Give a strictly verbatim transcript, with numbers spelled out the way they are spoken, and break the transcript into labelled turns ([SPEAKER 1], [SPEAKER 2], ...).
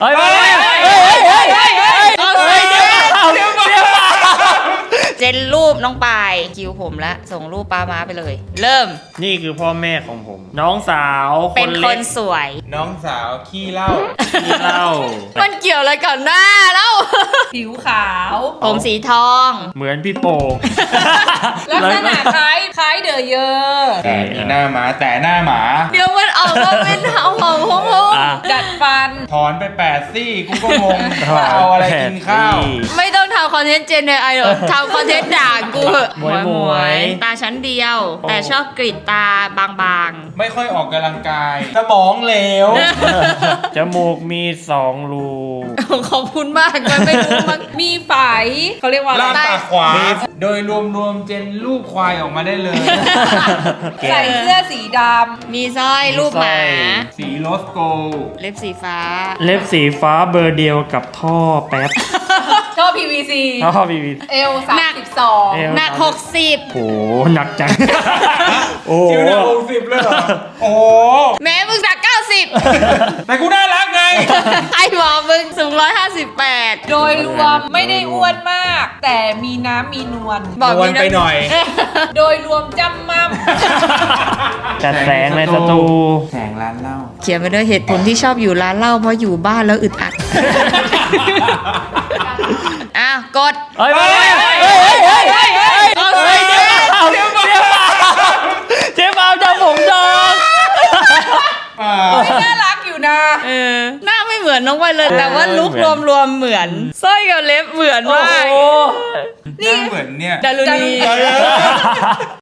[SPEAKER 1] เฮ้ยเฮ้ยเฮ้ยเฮ้ยเฮ้ยเฮ้ยเฮ้ยเฮ้ยเดี๋ยวเดี๋ยวเดี๋ยว
[SPEAKER 2] เจนรูปน้องปายคิวผมละส่งรูปปามาไปเลย เริ่ม
[SPEAKER 1] นี่คือพ่อแม่ของผม น้องสาวค
[SPEAKER 2] เป็น
[SPEAKER 1] น
[SPEAKER 2] ค
[SPEAKER 1] เล็
[SPEAKER 2] น
[SPEAKER 1] ก
[SPEAKER 2] สวย
[SPEAKER 3] น้องสาวขี้เหล้า
[SPEAKER 1] ที่เล่า
[SPEAKER 2] มันเกี่ยวอะไรกับหน้าแล้ว
[SPEAKER 4] ผิวขาว
[SPEAKER 2] ผมสีทอง
[SPEAKER 1] เหมือนพี่โป่ง
[SPEAKER 4] ลักษณะคล้ายคล้ายเดอะเยอร์
[SPEAKER 3] แต่มีหน้าหมาแต่หน้าหมา
[SPEAKER 2] เดี๋ยวมันออกมาเป็นเห่าเห่าหงหง
[SPEAKER 1] อ่ะ
[SPEAKER 4] ดัดฟัน
[SPEAKER 3] ถอนไปแปดซี่กูก็งงว่าเอาอะไรกินข้าว
[SPEAKER 2] ไม่ต้องทำคอนเทนต์เจนในไอหรอกทำคอนเทนต์ด่ากูเหอะ
[SPEAKER 1] หมวยหมวย
[SPEAKER 2] ตาชั้นเดียว แต่ชอบกรีดตาบาง
[SPEAKER 3] ไม่ค่อยออกกำลังกาย สมองเหลว
[SPEAKER 1] จมูกมีสองรู
[SPEAKER 2] ๆ ขอบคุณมากมันไม่รู้มัน
[SPEAKER 4] มีไฝเขาเรียกว่าอะไร
[SPEAKER 3] ล่างปากขวา โดยรวมๆเจนลูกควายออกมาได้เลย
[SPEAKER 4] ใส่เสื้อสีด
[SPEAKER 2] มีสร้อยรูปหมา
[SPEAKER 3] สีโรสโกล
[SPEAKER 2] เล็บสีฟ้า
[SPEAKER 1] เล็บสีฟ้าเบอร์เดียวกับท่อแป๊บ
[SPEAKER 4] ำท่อ พี วี ซี
[SPEAKER 1] ท่อพีวี
[SPEAKER 4] เอลสามสิบสอง
[SPEAKER 1] เอว
[SPEAKER 2] หนักหกสิบ
[SPEAKER 1] โหหนักจัง โอ้
[SPEAKER 3] คิวหน้าหกสิบเลยเหรอ โอ้โห
[SPEAKER 2] แม้มึงหนักเก้าสิบ
[SPEAKER 3] แต่กูน่ารักไง
[SPEAKER 2] ไอ้บอกมึงสูงร้อยห้าสิบแปด
[SPEAKER 4] โดยรวมไม่ได้อ้วนมาก แต่มีน้ำมีนวล
[SPEAKER 2] บอก
[SPEAKER 3] นวลไปหน่อย
[SPEAKER 4] โดยรวมจำมั่ม
[SPEAKER 1] จัดแสงในสตู
[SPEAKER 3] แสงร้านเหล้า
[SPEAKER 2] เขียนไปด้วยเหตุผลที่ชอบอยู่ร้านเหล้าเพราะอยู่บ้านแล้วอึดอัด อ่ะกด
[SPEAKER 1] เฮ้ยเฮ้ยเฮ้ยเฮ้ยเฮ้ยเฮ้ยเฮ้ยเฮ้ยเดี๋ยวเดี๋ยวเดี๋ยวเจ๊บ่าวจะผมดอง
[SPEAKER 3] อ่า
[SPEAKER 4] น่ารักอยู่นะ
[SPEAKER 2] เออหน้าไม่เหมือนน้องไปเลย แต่ว่าลุกรวมๆเหมือนสร้อยกับเล็บเหมือน
[SPEAKER 1] โอ้
[SPEAKER 2] มาก
[SPEAKER 1] โห
[SPEAKER 3] หน้าเหมือนเนี่ย
[SPEAKER 2] ดารุณี